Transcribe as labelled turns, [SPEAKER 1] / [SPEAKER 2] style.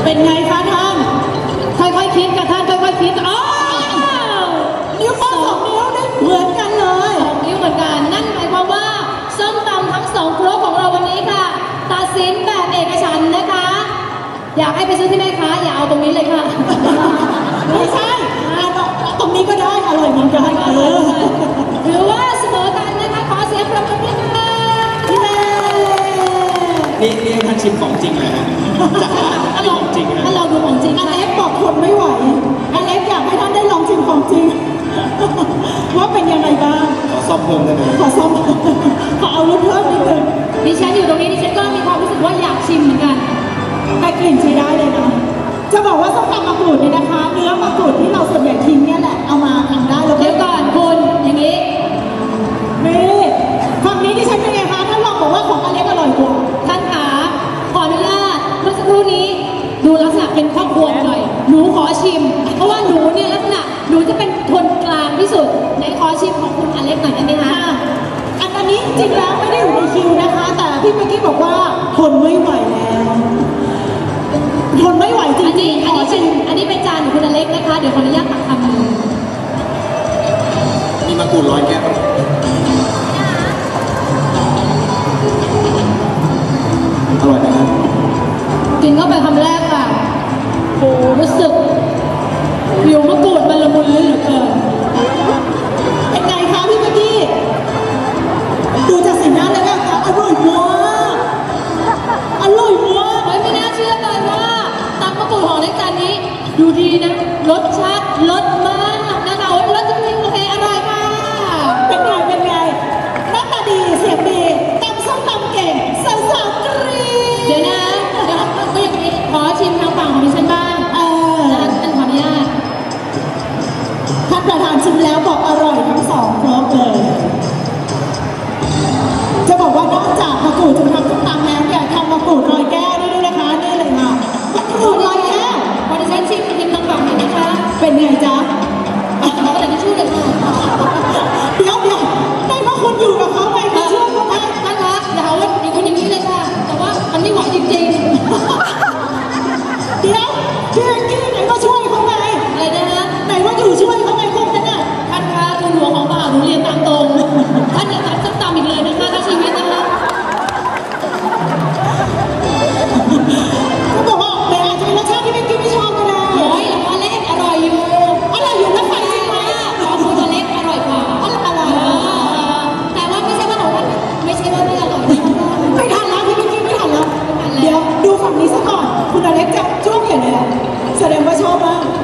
[SPEAKER 1] เป็นไงคะท่านค่อยๆคิดกับท่านค่อยๆคิดนิ้วโป้ง2 นิ้วได้เหมือนกันเลย2 นิ้วเหมือนกันนั่นหมายความว่าส้มตำทั้ง2ครกของเราวันนี้ค่ะตัดสินแบบเอกฉันท์นะคะอยากให้ไปซื้อที่แม่ค้าอย่าเอาตรงนี้เลยค่ะไม่ใช่ตรงนี้ก็ได้อร่อยเหมือนกันหรือว่าเสมอกันนะคะขอเสียงปรบมือด้วยค่ะ
[SPEAKER 2] นี่ท่านชิมของจริงเลยฮะจากร้านของจริงนะ
[SPEAKER 1] ถ้าเราดูของจริงอเล็กบอกทนไม่ไหวอเล็กอยากให้ท่านได้ลองชิมของจริงว่าเป็นยังไงบ้าง
[SPEAKER 2] ขอซ่อมเพิ่มได้ไหม
[SPEAKER 1] ขอซ่อมขอเอารสเพิ่มนิดนึงดิฉันอยู่ตรงนี้ดิฉันก็มีความรู้สึกว่าอยากชิมเหมือนกันแต่กลิ่นใช้ได้เลยนะจะบอกว่าส้มตำมะกรูดเนี่ยนะคะเนื้อมะกรูดที่เราส่วนใหญ่ทิ้งเนี่ยแหละเอามาทำได้แล้วเดี๋ยวก่อนคุณอย่างนี้นี่ฝั่งนี้ดิฉันเป็นไงคะท่านลองบอกว่าของอเล็กอร่อยกว่าท่านขาขออนุญาตเมื่อสักครู่นี้ดูลักษณะเป็นครอบครัวหน่อยหนูขอชิมเพราะว่าหนูเนี่ยลักษณะหนูจะเป็นคนกลางที่สุดในขอชิมของคุณอเล็กหน่อยได้ไหมคะอันนี้จริงแล้วไม่ได้อยู่ในคิวนะคะแต่พี่เมื่อกี้บอกว่าทนไม่ไหวแล้วทนไม่ไหวจริงๆอันนี้เป็นจานของคุณอเล็กนะคะเดี๋ยวขออนุญาตตักคำนึง
[SPEAKER 2] มีมะกรูด100 แก้วอร่อยไหมครับ
[SPEAKER 1] กินเข้าไปคำแรกค่ะโอ้รู้สึกผิวมะกรูดมันละมุนลิ้นเหลือเกินเป็นไงคะพี่เมื่อกี้ดูจากสีหน้าแล้วค่ะอร่อยมากอร่อยมากไม่น่าเชื่อเลยว่าตำมะกรูดของเล็กจานนี้ดูดีนะรสชาติรสมากนะคะรสจริงๆโอเคอร่อยค่ะเป็นไงหน้าตาดีเสียงดีตำส้มตำเก่งสาวๆกรี๊ดเดี๋ยวก็อย่างนี้ขอชิมทางฝั่งของดิฉันบ้างท่านขออนุญาตท่านประธานชิมแล้วบอกอร่อยทั้ง2ครบเลยจะบอกว่านอกจากมะกรูดจะทำส้มตำแล้วเนี่ยทำมะกรูด100 แก้วด้วยนะคะนี่เลยค่ะมะกรูด100 แก้วพอดิฉันชิมทางฝั่งนี้นะคะเป็นไงจ๊ะขอแต่ที่ชื่อเลยค่ะเดี๋ยวได้เพราะคุณอยู่กับเขาไปคุณช่วยเขาไปท่านคะอย่าเอาอย่างนี้เลยค่ะแต่ว่ามันไม่ไหวจริงๆเดี๋ยวพี่เอ็งกี้ไหนก็ช่วยเขาไงอะไรนะไหนว่าอยู่ช่วยเขาไงพวกนั้นน่ะท่านคะดูหัวของบ่าวหนูเรียนตามตรงท่านอย่าตัดส้มตำอีกเลยนะคะถ้าชีวิตนะคะก็บอกว่าแต่อาจจะเป็นรสชาติที่ไม่กินไม่ชอบก็ได้โอ้ยอเล็กอร่อยอยู่แล้วไปจริงไหมของคุณอเล็กอร่อยกว่าอร่อยแต่ว่าไม่ใช่ว่าของท่านไม่ใช่ว่าไม่อร่อยไม่ทันแล้วพี่กิ๊กไม่ทันแล้วเดี๋ยวดูฝั่งนี้ซะก่อนคุณอเล็กจะช่วงใหญ่เลยแสดงว่าชอบมาก